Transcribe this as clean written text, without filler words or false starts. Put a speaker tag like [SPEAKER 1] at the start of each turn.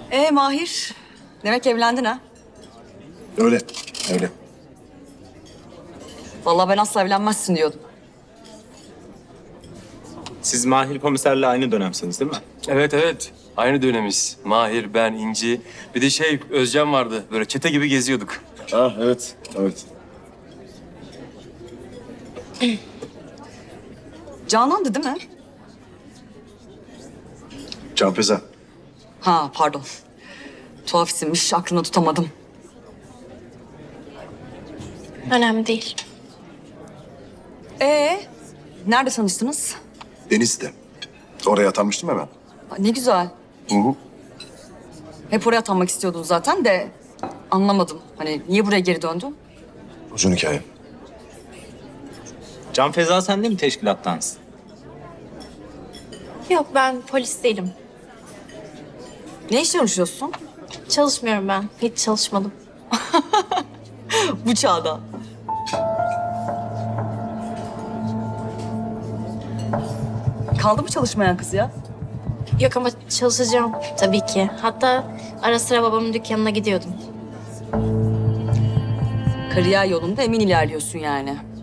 [SPEAKER 1] Mahir, demek evlendin ha?
[SPEAKER 2] Öyle, öyle.
[SPEAKER 1] Vallahi ben asla evlenmezsin diyordum.
[SPEAKER 3] Siz Mahir komiserle aynı dönemsiniz değil mi?
[SPEAKER 4] Evet evet. Aynı dönemiz. Mahir, ben, İnci. Bir de Özcan vardı. Böyle çete gibi geziyorduk.
[SPEAKER 2] Ha evet, evet.
[SPEAKER 1] Canan'dı değil mi?
[SPEAKER 2] Can Feza.
[SPEAKER 1] Ha pardon. Tuhaf isimmiş, aklımda tutamadım.
[SPEAKER 5] Önemli değil.
[SPEAKER 1] Nerede tanıştınız?
[SPEAKER 2] Deniz'de. Oraya atanmıştım hemen.
[SPEAKER 1] Ne güzel.
[SPEAKER 2] Hı hı.
[SPEAKER 1] Hep oraya atanmak istiyordun zaten de anlamadım. Hani niye buraya geri döndün?
[SPEAKER 2] Uzun hikaye.
[SPEAKER 3] Can Feza sen de mi teşkilattansın?
[SPEAKER 5] Yok, ben polis değilim.
[SPEAKER 1] Ne iş çalışıyorsun?
[SPEAKER 5] Çalışmıyorum ben. Hiç çalışmadım.
[SPEAKER 1] Bu çağda. Kaldı mı çalışmayan kız ya?
[SPEAKER 5] Yok ama çalışacağım tabii ki. Hatta ara sıra babamın dükkanına gidiyordum.
[SPEAKER 1] Kariyer yolunda emin ilerliyorsun yani.